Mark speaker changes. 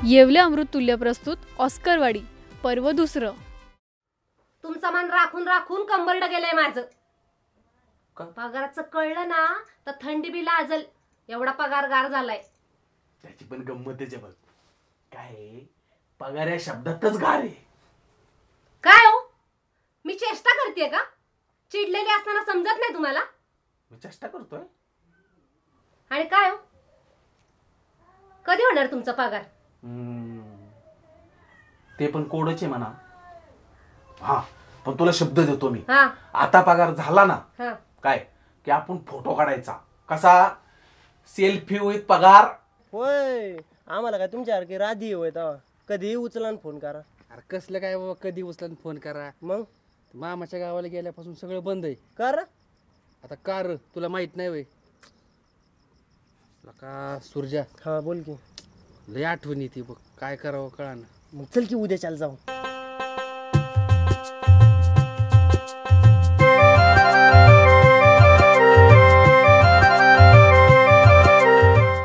Speaker 1: येवले अमृततुल्य प्रस्तुत ऑस्करवाडी पर्व दुसरं.
Speaker 2: तुमचा मान राखून राखून कंबरड गेलंय माझं. पगाराचं कळलं ना तर थंडी बी लाजल एवढा पगार गार झालाय.
Speaker 3: त्याची पण गंमत आहे बघ. काय पगार या शब्दातच गार आहे.
Speaker 2: काय हो, मी चेष्टा करतेय का? चिडलेली असताना समजत नाही तुम्हाला?
Speaker 3: मी चेष्टा करतोय.
Speaker 2: आणि काय हो, कधी होणार तुमचा पगार?
Speaker 3: ते पण कोडच आहे म्हणा. हा पण तुला शब्द देतो मी.
Speaker 2: हा
Speaker 3: आता पगार झाला ना
Speaker 2: हा
Speaker 3: काय की आपण फोटो काढायचा. कसा? सेल्फी विथ पगार.
Speaker 4: होय, आम्हाला काय तुमच्यासारखी राधी होय तेव्हा कधी उचला फोन करा.
Speaker 5: अरे कसलं काय बाबा, कधी उचला फोन करा.
Speaker 4: मग
Speaker 5: मामाच्या गावाला गेल्यापासून सगळं बंद आहे.
Speaker 4: कर
Speaker 5: आता कार तुला माहित नाही वय का सुरजा?
Speaker 4: हा बोल की.
Speaker 5: लय आठवण येते बघ, काय करावं कळाना.
Speaker 4: मग चल की उद्या चाल जाऊ.